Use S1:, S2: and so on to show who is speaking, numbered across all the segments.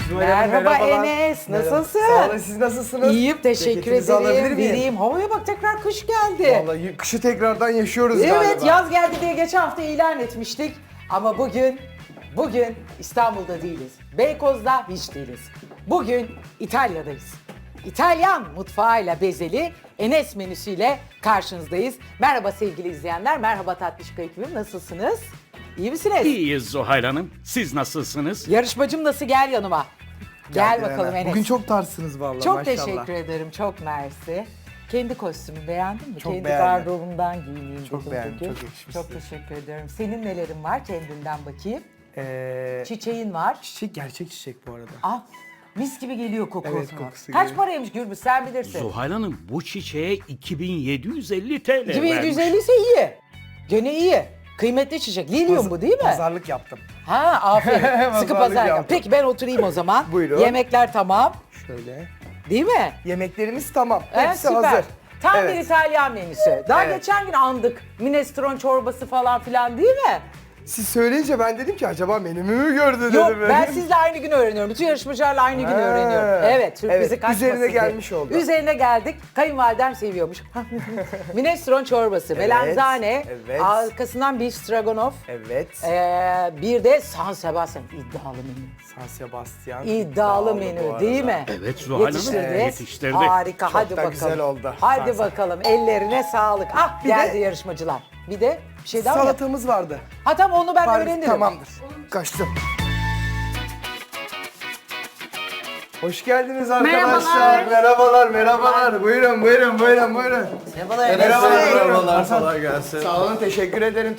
S1: Merhaba
S2: merhabalar.
S1: Enes, nasılsın?
S2: Sağ olun, siz nasılsınız?
S1: İyiyim, teşekkür
S2: Ceketinizi alabilir
S1: ederim.
S2: miyim?
S1: Vereyim. Havaya bak, tekrar kış geldi.
S2: Vallahi kışı tekrardan yaşıyoruz
S1: Evet,
S2: galiba.
S1: yaz geldi diye geçen hafta ilan etmiştik. Ama bugün İstanbul'da değiliz. Beykoz'da hiç değiliz. Bugün İtalya'dayız. İtalyan mutfağıyla bezeli Enes menüsüyle karşınızdayız. Merhaba sevgili izleyenler, merhaba Tatlışka ekibim, nasılsınız? İyi misiniz?
S3: İyiyiz Zuhal Hanım. Siz nasılsınız?
S1: Yarışmacım nasıl, gel yanıma. Gel bakalım
S2: Hemen.
S1: Enes.
S2: Bugün çok tarsınız vallahi
S1: Çok
S2: maşallah.
S1: teşekkür ederim, çok mersi. Kendi kostümü beğendin mi?
S2: Çok
S1: Kendi
S2: beğendim.
S1: gardırobumdan giyineyim
S2: Çok
S1: dedim
S2: beğendim,
S1: bugün.
S2: çok yakışmış
S1: Çok
S2: size.
S1: teşekkür ederim. Senin nelerin var kendinden bakayım? Çiçeğin var.
S2: Çiçek gerçek çiçek bu arada.
S1: Ah, mis gibi geliyor kokusu.
S2: Evet, kokusu
S1: Kaç
S2: geliyor.
S1: paraymış Gürbüz, sen bilirsin.
S3: Zuhal Hanım bu çiçeğe 2750 TL
S1: 2750
S3: vermiş.
S1: ise iyi. Gene iyi. Kıymetli çiçek. Lilium bu değil mi?
S2: Pazarlık yaptım.
S1: Ha, aferin. Sıkı
S2: Pazarlık
S1: pazar.
S2: yaptım.
S1: Peki ben oturayım o zaman.
S2: Buyurun.
S1: Yemekler tamam.
S2: Şöyle.
S1: Değil mi?
S2: Yemeklerimiz tamam.
S1: Evet,
S2: Hepsi
S1: süper.
S2: hazır.
S1: Tam
S2: Evet.
S1: bir İtalyan menüsü. Daha
S2: Evet.
S1: geçen gün andık. Minestrone çorbası falan filan değil mi?
S2: Siz söyleyince ben dedim ki acaba menümü mü gördü dedim.
S1: Yok, ben sizle aynı gün öğreniyorum. Bütün yarışmacılarla aynı gün
S2: Ha.
S1: öğreniyorum. Evet, sürprizi
S2: Evet,
S1: kaçmasın
S2: üzerine
S1: diye.
S2: gelmiş oldu.
S1: Üzerine geldik. Kayınvalidem seviyormuş. Minestrone çorbası, melanzane,
S2: evet.
S1: arkasından beef stroganoff,
S2: Evet.
S1: bir de San Sebastian iddialı menü.
S2: San Sebastian.
S1: İddialı
S2: bu
S1: menü
S2: arada.
S1: değil mi?
S3: Evet, Zuhal Hanım,
S1: Yetiştirdi.
S3: yetiştirdi.
S1: Harika,
S2: Çok
S1: hadi
S2: da
S1: bakalım.
S2: güzel oldu.
S1: Hadi
S2: San-
S1: bakalım, ellerine sağlık. Ah,
S2: Bir
S1: geldi
S2: de-
S1: yarışmacılar. Bir de bir şey daha mı?
S2: Salatamız vardı.
S1: Ha tamam, onu ben öğrenirim.
S2: Tamamdır. Kaçtım. Hoş geldiniz arkadaşlar. Merhabalar. Buyurun.
S1: Merhabalar.
S2: Merhabalar. Kolay gelsin. Sağ olun, teşekkür ederim.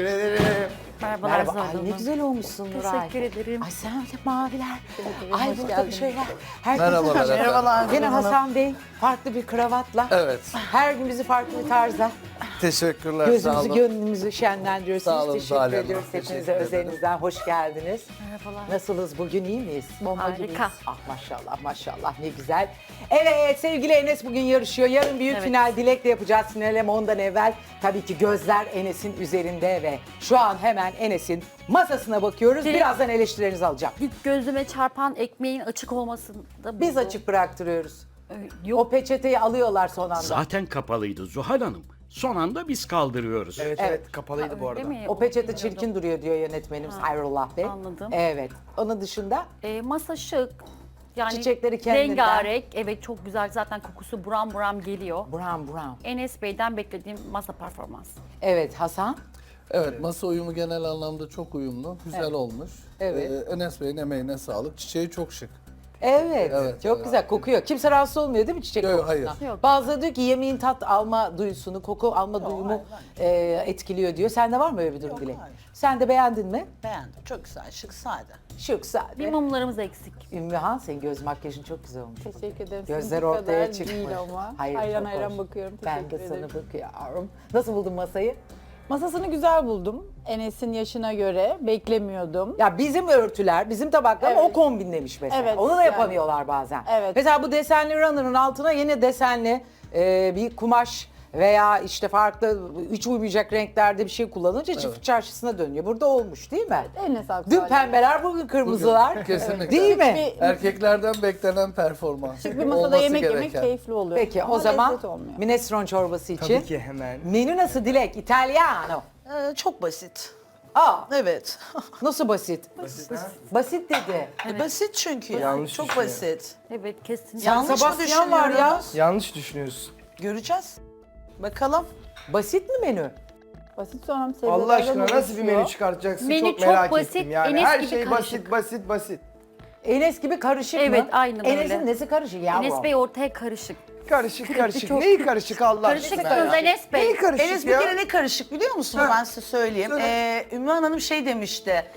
S4: Merhabalar
S1: Merhaba.
S4: Zuhal
S1: Ay ne
S4: Hanım.
S1: güzel olmuşsun Nuray.
S4: Teşekkür ederim.
S1: Ay sen öyle maviler. Ay
S4: hoş
S1: burada bir
S4: geldiniz.
S1: şeyler. Herkes
S5: Merhabalar.
S1: Yine Hasan Bey farklı bir kravatla.
S5: Evet.
S1: Her gün bizi farklı bir tarzda.
S5: Teşekkürler. Sağ
S1: Gözümüzü,
S5: olun.
S1: gönlümüzü şenlendiriyorsunuz.
S5: Sağ olun,
S1: Teşekkür
S5: Zuhal Hanım.
S1: ediyoruz hepinize
S5: Teşekkür ederim.
S1: özelinizden. Hoş geldiniz.
S4: Merhabalar.
S1: Nasılız bugün, iyi miyiz? Bomba
S4: Harika.
S1: gibiyiz. Ah maşallah maşallah ne güzel. Evet sevgili Enes bugün yarışıyor. Yarın büyük
S4: Evet.
S1: final Dilek'le yapacağız. Finale ondan evvel tabii ki gözler Enes'in üzerinde ve şu an hemen Enes'in masasına bakıyoruz.
S4: Dilek-
S1: Birazdan eleştirilerinizi alacağım.
S4: İlk gözüme çarpan ekmeğin açık olmasında
S1: Biz
S4: buldu.
S1: açık bıraktırıyoruz.
S4: Yok.
S1: O peçeteyi alıyorlar son anda.
S3: Zaten kapalıydı Zuhal Hanım. Son anda biz kaldırıyoruz.
S2: Evet, kapalıydı bu arada.
S4: Değil mi?
S1: O peçete çirkin duruyor diyor yönetmenimiz Hayrullah Bey.
S4: anladım.
S1: Evet. Onun dışında
S4: Masa şık. Yani
S1: Çiçekleri kendinden.
S4: rengarenk. Evet çok güzel. Zaten kokusu buram buram geliyor.
S1: brown.
S4: Enes Bey'den beklediğim masa performansı.
S1: Evet Hasan.
S5: Evet, masa uyumu genel anlamda çok uyumlu. Güzel olmuş.
S1: Evet.
S5: Enes Bey'in emeğine sağlık. Çiçeği çok şık.
S1: Evet,
S5: Evet,
S1: çok
S5: evet.
S1: güzel kokuyor. Kimse rahatsız olmuyor değil mi çiçek
S5: Yok,
S1: kokusundan?
S5: hayır.
S4: Yok.
S1: Bazıları diyor ki yemeğin tat alma duyusunu, koku alma duyumu etkiliyor diyor. Sende var mı öyle bir durum Dilek?
S6: hayır.
S1: Sen de beğendin mi?
S6: Beğendim. Çok güzel, şık, sade.
S1: Şık sade.
S4: Bir mumlarımız eksik.
S1: Ümmühan senin göz makyajın çok güzel olmuş.
S7: Teşekkür ederim.
S1: Gözler
S7: Sizinki
S1: ortaya
S7: kadar
S1: çıkmış.
S7: değil ama.
S1: Hayır,
S7: hayran
S1: çok
S7: hayran
S1: hoş.
S7: bakıyorum.
S1: Ben de
S7: Teşekkür
S1: sana
S7: ederim.
S1: bakıyorum. Nasıl buldun masayı?
S7: Masasını güzel buldum. Enes'in yaşına göre beklemiyordum.
S1: Ya bizim örtüler, bizim tabaklar ama
S7: Evet.
S1: o kombinlemiş mesela.
S7: Evet,
S1: Onu da
S7: yani.
S1: yapamıyorlar bazen.
S7: Evet.
S1: Mesela bu desenli runner'ın altına yine desenli bir kumaş veya işte farklı hiç uymayacak renklerde bir şey kullanınca çift çarşısına dönüyor. Burada olmuş değil mi?
S7: Eline sağlık.
S1: Dün
S7: Zuhal Hanım.
S1: pembeler, bugün kırmızılar.
S5: Kesinlikle.
S1: Değil mi?
S7: Bir,
S5: Erkeklerden beklenen performans.
S7: şık bir masada
S5: Olması
S7: yemek yemek
S5: gereken.
S7: keyifli oluyor.
S1: Peki
S7: Ama
S1: o zaman
S7: lezzet olmuyor.
S1: minestrone çorbası için.
S2: Tabii ki hemen.
S1: Menü nasıl Dilek? İtalyano.
S6: Çok basit.
S1: Aa,
S6: Evet.
S1: nasıl basit? Basit dedi.
S6: Basit çünkü yani.
S2: Yanlış
S6: Çok
S2: düşünüyor.
S6: basit.
S4: Evet kesin.
S6: Yanlış mı
S1: Sebastian var ya.
S6: düşünüyoruz?
S2: Yanlış düşünüyorsun.
S6: Göreceğiz. Bakalım.
S1: Basit mi menü?
S7: Basit sonra sebzelerden
S2: Allah aşkına nasıl bir
S7: oluşuyor.
S2: menü çıkartacaksın
S4: Menü
S2: çok
S4: çok
S2: merak
S4: basit,
S2: ettim yani.
S4: Enes
S2: Her
S4: gibi
S2: şey
S4: karışık.
S2: basit.
S1: Enes gibi karışık mı?
S4: Evet, aynen öyle.
S1: Enes'in nesi karışık yavrum?
S4: Enes Bey ortaya karışık.
S2: Karışık.
S4: çok-
S2: Neyi karışık Allah aşkına
S4: Karışıksınız
S2: ya?
S4: Enes Bey.
S2: Neyi karışık
S6: Enes
S2: ya?
S6: bir kere ne karışık biliyor musunuz? Ben size söyleyeyim. Ümmühan Hanım şey demişti.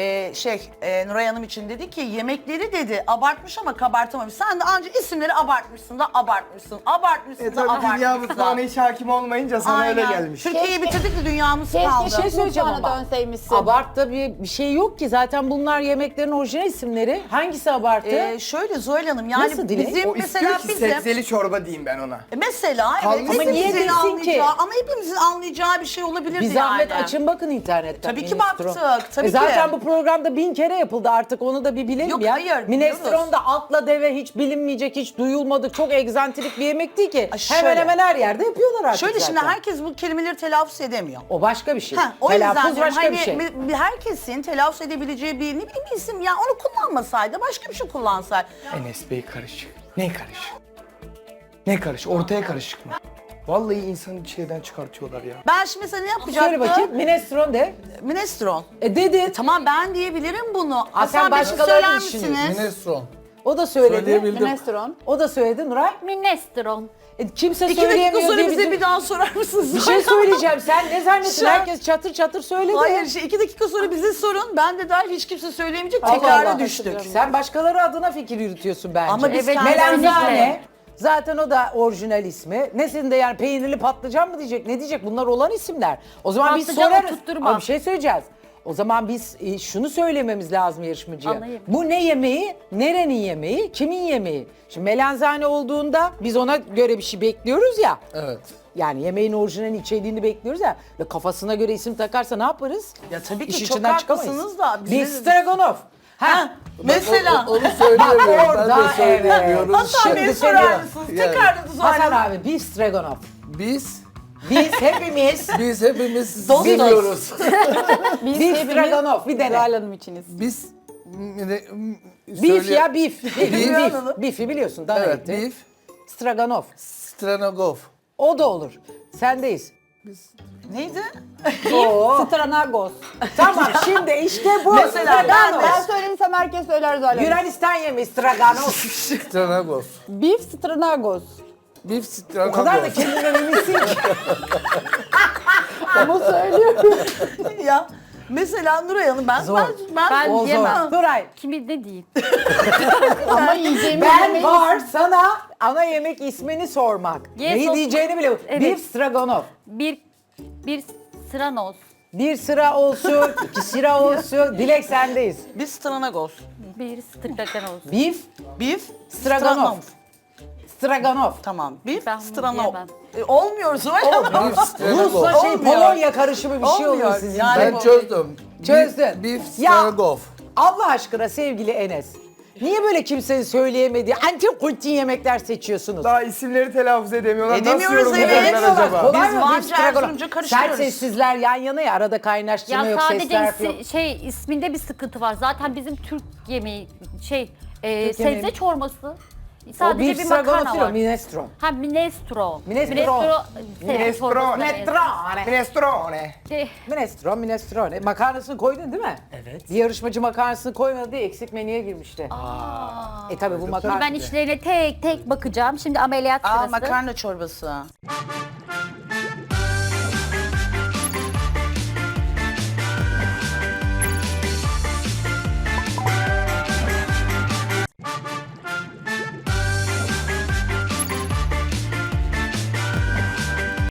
S6: Nuray Hanım için dedi ki yemekleri dedi abartmış ama kabartamamış. Sen de anca isimleri abartmışsın da abartmışsın. Abartmışsın da
S2: Tabii dünya
S6: abartmışsın.
S2: mutfağına hiç hakim olmayınca sana öyle
S6: Aynen.
S2: gelmiş.
S6: Türkiye'yi bitirdik de dünyamız
S7: Keşke
S6: kaldı.
S1: şey söyleyeceğim
S7: mutfağına
S1: ama.
S7: dönseymişsin.
S1: Abartı bir şey yok ki. Zaten bunlar yemeklerin orijinal isimleri. Hangisi abartı?
S6: Şöyle Zuhal Hanım yani
S1: Nasıl Dilek?
S6: bizim
S2: O
S6: mesela
S2: istiyor ki
S6: bizim
S2: sebzeli çorba diyeyim ben ona.
S6: mesela
S2: Kalmış
S6: evet
S2: ama niye
S6: hepimizin
S1: desin ki?
S6: anlayacağı ama hepimizin anlayacağı bir şey olabilirdi
S1: Bir zahmet
S6: yani.
S1: açın bakın internetten.
S6: Tabii ki
S1: minestrone.
S6: baktık, tabii ki.
S1: Zaten bu bu programda 1000 kere yapıldı artık onu da bir bilelim
S6: Yok,
S1: ya.
S6: hayır,
S1: Minestrone
S6: biliyoruz.
S1: da atla deve hiç bilinmeyecek, hiç duyulmadık, çok egzantrik bir yemek değil ki.
S6: Ay,
S1: Hemen
S6: şöyle.
S1: hemen her yerde yapıyorlar artık
S6: Şöyle
S1: zaten.
S6: şimdi herkes bu kelimeleri telaffuz edemiyor.
S1: O başka bir şey.
S6: O
S1: Telaffuz
S6: yüzden diyorum,
S1: başka
S6: hani
S1: bir şey.
S6: herkesin telaffuz edebileceği bir ne bileyim bir isim ya onu kullanmasaydı başka bir şey kullansaydı.
S2: Enes Bey karışık. Ne karışık? Ne karışık? Ortaya karışık mı? Vallahi insanı şeyden çıkartıyorlar ya.
S6: Ben şimdi mesela ne yapacaktım?
S1: Söyle bakayım minestrone de.
S6: Minestrone.
S1: Dedi.
S6: Tamam ben diyebilirim bunu.
S1: Aa, sen
S6: Hasan Bey siz
S1: başkalarını
S6: söyler
S1: düşünüyorsun.
S6: misiniz?
S5: Minestrone.
S1: O da söyledi.
S5: Söyleyebildim.
S7: Minestrone.
S1: O da söyledi Nuray.
S4: Minestrone.
S1: Kimse
S6: 2 dakika
S1: söyleyemiyor
S6: sonra
S1: diye
S6: bize
S1: bizim-
S6: bir daha sorar mısınız?
S1: Bir şey söyleyeceğim. Sen ne zannettin?
S6: Şu an-
S1: Herkes çatır çatır söyledi.
S6: Hayır 2 dakika sonra bize sorun. Ben de dahil hiç kimse söyleyemeyecek.
S1: Allah
S6: Tekrara
S1: Allah.
S6: düştük.
S1: Sen başkaları adına fikir yürütüyorsun bence.
S6: Ama biz
S4: Evet,
S6: kendi
S1: Melanzane. Zaten o da orijinal ismi. Nesinde yani peynirli patlıcan mı diyecek? Ne diyecek? Bunlar olan isimler. O zaman biz
S4: Patlıcan
S1: sorarız.
S4: oturtturma.
S1: Ama bir şey söyleyeceğiz. O zaman biz şunu söylememiz lazım yarışmacıya.
S4: Anlayayım.
S1: Bu ne yemeği? Nerenin yemeği? Kimin yemeği? Şimdi melanzane olduğunda biz ona göre bir şey bekliyoruz ya.
S5: Evet.
S1: Yani yemeğin orijinal içeriğini bekliyoruz ya. Ve kafasına göre isim takarsa ne yaparız?
S6: Ya tabii ki
S1: İş
S6: çok
S1: içinden
S6: haklısınız da bize
S1: Bir
S6: de-
S1: stroganoff. Ha.
S6: Mesela.
S5: Onu söyleyemiyorum.
S1: Orada,
S5: Ben de söyleyemiyorum.
S6: Hasan Bey
S1: Şimdi
S6: sorar
S1: söylüyorum.
S6: mısınız?
S5: Yani.
S6: Tekrar da
S1: Hasan
S6: sorarım.
S1: abi beef stroganoff.
S5: Biz
S1: Biz hepimiz
S5: hepimiz
S6: Dostuz.
S5: biliyoruz.
S7: Biz
S1: beef
S7: hepimiz
S1: stroganoff bir dene.
S7: Zuhal Hanım içiniz.
S5: Biz
S1: Beef ya beef.
S6: Bilmiyorum.
S1: Beef. Beef'i biliyorsun dana
S5: Evet,
S1: eti.
S5: beef,
S1: Stroganoff.
S5: Stranogov.
S1: O da olur. Sendeyiz.
S6: Neydi?
S1: Oo.
S7: Stranagos.
S1: Tamam şimdi işte bu.
S6: Mesela
S1: Stroganoff.
S7: Ben söylemişsem herkes söyler Zuhal Hanım.
S1: Yunanistan yemeği stroganoff.
S5: Stranogov.
S7: Beef Stranagos.
S5: Beef
S1: O
S5: Stranogov.
S1: kadar da kendinden eminsin ki.
S7: Ama söylüyorum.
S6: Ya mesela Nuray Hanım ben
S1: Zor.
S4: Ben
S1: O zor.
S4: yemem.
S1: Nuray.
S4: Kimi ne diyeyim?
S7: Ama yiyeceğimiz
S1: Ben
S7: yemeği-
S1: var sana ana yemek ismini sormak.
S4: Yes,
S1: Neyi
S4: of-
S1: diyeceğini bile.
S4: Evet.
S1: Beef stroganoff.
S4: Bir sıranos.
S1: Bir sıra olsun, iki sıra olsun. Dilek sendeyiz.
S6: biz Stranagos.
S4: Bir stroganoff.
S1: Beef
S6: Beef
S1: stroganoff. Stroganoff.
S6: Tamam. Beef
S4: Ben bunu
S6: Stranov.
S4: yiyemem.
S6: Olmuyor Zuhal Hanım.
S5: Beef Stranogov.
S1: Rusla şey
S6: Olmuyor.
S1: Polonya karışımı bir şey
S6: Olmuyor.
S1: oluyor sizin.
S6: Yani-
S1: de.
S5: Ben çözdüm.
S1: Çözdün.
S5: Beef
S1: Ya.
S5: Stranogov.
S1: Allah aşkına sevgili Enes. Niye böyle kimsenin söyleyemediği antik kultin yemekler seçiyorsunuz?
S2: Daha isimleri telaffuz edemiyorlar.
S6: Edemiyoruz,
S2: Nasıl
S6: evet.
S2: yorumlayacaklar acaba?
S1: Kolay
S6: Biz
S1: mı?
S6: Van'cı,
S1: Beef stroganoff.
S6: Erzurumcu
S1: Sert
S6: karıştırıyoruz.
S1: sessizler yan yana ya arada kaynaştırma
S4: Ya
S1: yok,
S4: sadece
S1: sesler yok.
S4: isminde bir sıkıntı var. Zaten bizim Türk yemeği sebze
S1: yemeği.
S4: çorbası.
S1: O
S4: Sadece
S1: beef
S4: bir
S1: stroganoff
S4: makarna
S1: değil o,
S4: var.
S1: minestrone.
S4: Ha minestrone.
S1: Minestrone.
S2: Minestrone.
S1: Minestrone.
S2: Minestrone.
S1: Minestrone, minestrone. Makarnasını koydun değil mi? Evet. Bir yarışmacı makarnasını koymadı diye eksik menüye girmişti. Tabii bu makarna.
S4: Ben içlerine tek tek bakacağım. Şimdi ameliyat
S6: Aa
S4: sırası.
S6: makarna çorbası.